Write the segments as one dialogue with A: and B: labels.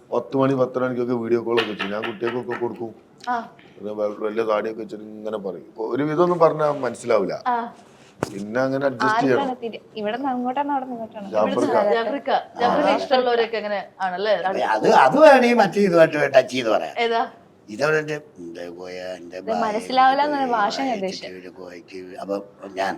A: 10 മണി 10 മണിക്കൊക്കെ വീഡിയോ കോളൊക്കെ വെച്ചു ഞാൻ കുട്ടികൾക്കൊക്കെ കൊടുക്കും. വലിയ താടിയൊക്കെ വെച്ചിട്ട് ഇങ്ങനെ പറയും. ഒരു വിധമൊന്നും പറഞ്ഞാൽ മനസ്സിലാവില്ല. പിന്നെ അങ്ങനെ അഡ്ജസ്റ്റ് ചെയ്യണം.
B: അത് വേണേ മറ്റേ ഇതുമായിട്ട് ടച്ച് ചെയ്ത് പറയാം. ഇതവിടെ
C: മനസ്സിലാവില്ല
B: അപ്പൊ ഞാൻ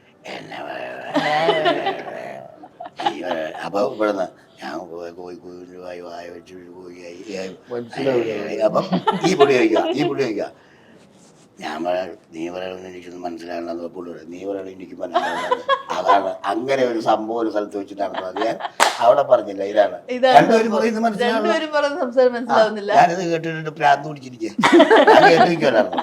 B: അപ്പൊ ഇവിടുന്ന് ഞാൻ കോഴിക്കോട് വായ വെച്ച് കോഴിയായി. അപ്പം ഈ പുള്ളി ചോദിക്കുക ഞാൻ നീ പറയണമെന്ന് എനിക്കൊന്നും മനസ്സിലാകണമെന്ന് പുള്ളി നീ പറയണ എനിക്ക് മനസ്സിലാകണം. അതാണ് അങ്ങനെ ഒരു സംഭവം ഒരു സ്ഥലത്ത് വെച്ചിട്ടാണെന്ന് അത് ഞാൻ അവിടെ പറഞ്ഞില്ല. ഇതാണ് രണ്ടുപേരും പറയുന്നത് മനസ്സിലാവുന്നില്ല. ഞാനിത് കേട്ടിട്ട് പ്രാന്ത് പിടിച്ചിരിക്കുക കേട്ടിരിക്കുമല്ലായിരുന്നു.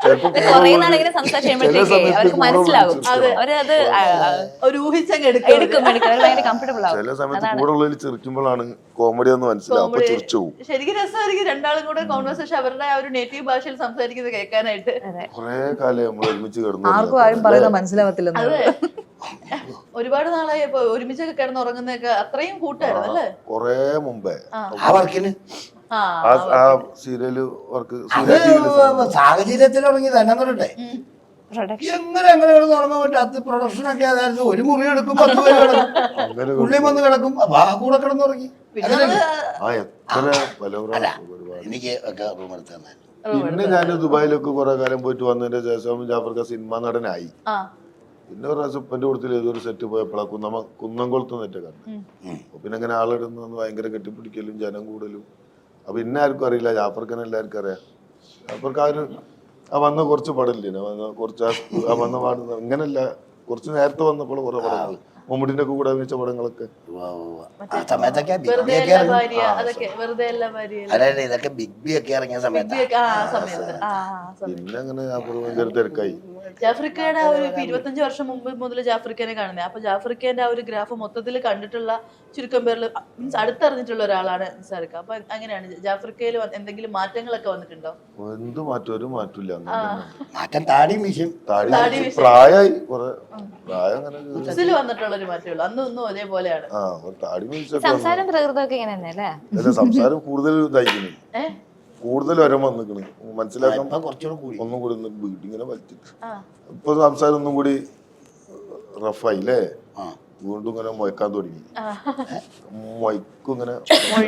A: ചില സമയത്ത് കൂടെ ഉള്ളതിൽ ചിരിക്കുമ്പോഴാണ് കോമഡി ഒന്ന് മനസ്സിലാവും.
D: ശരിക്കും രസമായിരിക്കും രണ്ടാളും കൂടെ കോൺവെർസേഷൻ അവരുടെ ആ ഒരു നേറ്റീവ് ഭാഷയിൽ സംസാരിക്കുന്നത് കേൾക്കാനായിട്ട്.
A: കൊറേ കാലം നമ്മൾ ഒരുമിച്ച് കിടന്നു.
E: ആർക്കും ആരും പറയുന്നത് മനസ്സിലാവത്തില്ല.
D: ഒരുപാട് നാളായി ഒരുമിച്ചൊക്കെ കിടന്നുറങ്ങുന്നൊക്കെ അത്രയും കൂട്ടായിരുന്നു അല്ലേ?
A: കൊറേ മുമ്പേ
B: സാഹചര്യത്തിൽ തുടങ്ങി തന്നെ തൊട്ടെ എങ്ങനെ കിടന്നുറങ്ങാൻ പറ്റും. അത് പ്രൊഡക്ഷൻ ഒക്കെ അതായത് ഒരു മുറി എടുക്കും 10 പേര് കിടക്കും ഉള്ളിൽ വന്ന് കിടക്കും. അപ്പൊ ആ കൂടെ കിടന്നുറങ്ങി. എനിക്ക് ഒക്കെ റൂം എടുത്ത് തന്നായിരുന്നു.
A: പിന്നെ ഞാൻ ദുബായിലൊക്കെ കുറെ കാലം പോയിട്ട് വന്നതിന്റെ ശേഷം ജാഫർക്ക സിനിമ നടനായി. പിന്നെ ഒരു പ്രാവശ്യം ഉപ്പന്റെ കൂട്ടത്തിൽ ഏതൊരു സെറ്റ് പോയപ്പോഴാ കുന്നംകുളത്ത് നെറ്റ് കണ്ടു. പിന്നെ അങ്ങനെ ആളിടുന്ന ഭയങ്കര കെട്ടിപ്പിടിക്കലും ജനം കൂടലും. അപ്പൊ ഇന്ന ആർക്കും അറിയില്ല, ജാഫർക്കനെ എല്ലാവർക്കും അറിയാം. ജാഫർക്ക് ആ വന്ന കുറച്ച് പടമില്ലേ, കുറച്ച് ആ വന്ന പാടുന്ന ഇങ്ങനല്ല, കുറച്ച് നേരത്തെ വന്നപ്പോൾ കുറെ പടങ്ങൾ മമ്മൂട്ടിന്റെ ഒക്കെ കൂടെ അഭിനയിച്ച പടങ്ങളൊക്കെ
B: ഇതൊക്കെ ബിഗ് ബി ഒക്കെ ഇറങ്ങിയ സമയത്ത്
A: പിന്നെ അങ്ങനെ ഭയങ്കര തിരക്കായി.
D: ജാഫ്രിക്കയുടെ ആ ഒരു 25 വർഷം മുമ്പ് മുതൽ ജാഫ്രിക്കനെ കാണുന്നത്. അപ്പൊ ജാഫ്രിക്കന്റെ ആ ഒരു ഗ്രാഫ് മൊത്തത്തിൽ കണ്ടിട്ടുള്ള ചുരുക്കം പേരിൽ മീൻസ് അടുത്തറിഞ്ഞിട്ടുള്ള ഒരാളാണ് നിസാർക്ക. അപ്പൊ അങ്ങനെയാണ് ജാഫ്രിക്കയിൽ എന്തെങ്കിലും മാറ്റങ്ങളൊക്കെ വന്നിട്ടുണ്ടോ?
A: എന്ത് മാറ്റം? ഒരു മാറ്റമില്ല.
B: മാറ്റം താടി മീശയും
A: പ്രായമായി കുറെ പ്രായം അങ്ങനെ
D: വന്നിട്ടുള്ള ഒരു മാറ്റമുള്ളൂ. അന്നും അതേപോലെയാണ്.
C: സംസാരം പ്രകൃതമൊക്കെ ഇങ്ങനെ തന്നെ അല്ലേ?
A: സംസാരം കൂടുതൽ ഇതായിരിക്കുന്നു, കൂടുതൽ വരം വന്നിക്കണ്. മനസ്സിലാക്കാൻ ഒന്നും കൂടി വീട്ടിങ്ങനെ വലിച്ചിട്ട് ഇപ്പൊ സംസാരം ഒന്നും കൂടി റഫായി അല്ലേ? വീണ്ടും ഇങ്ങനെ മുഴക്കാൻ തുടങ്ങി. മൊയ്ക്കും ഇങ്ങനെ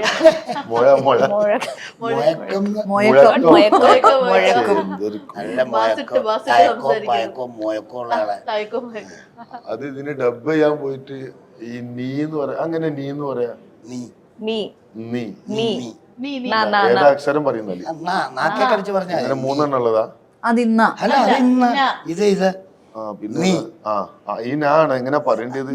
A: അത് ഇതിന് ഡബ് ചെയ്യാൻ പോയിട്ട് ഈ നീ എന്ന് പറയാ, അങ്ങനെ നീ എന്ന് പറയാ, ഏതാ അക്ഷരം പറയുന്നല്ലേ? അങ്ങനെ 3 എണ്ണം ഉള്ളതാ. പിന്നെ ഈ നാണ് എങ്ങനെ പറയേണ്ടത്?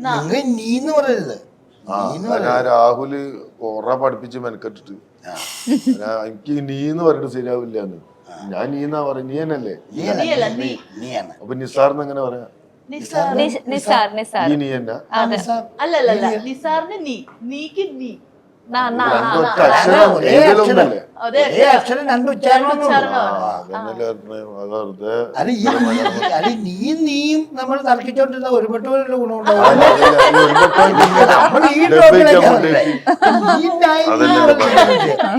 A: രാഹുല് കൊറേ പഠിപ്പിച്ച് മെനക്കെട്ടിട്ട് എനിക്ക് നീന്ന് പറഞ്ഞിട്ട് ശരിയാവില്ലാന്ന്. ഞാൻ നീന്നാ പറയാ, നീ തന്നെയല്ലേ? അപ്പൊ നിസാറിന് എങ്ങനെ പറയാ? നീ എന്നാ
D: അല്ലല്ല നിസാറിന് നീ, നീക്ക് നീ.
B: നീയും നമ്മൾ തർക്കിച്ചോണ്ടിരുന്ന ഒരുപെട്ട ഗുണമുണ്ടാവും.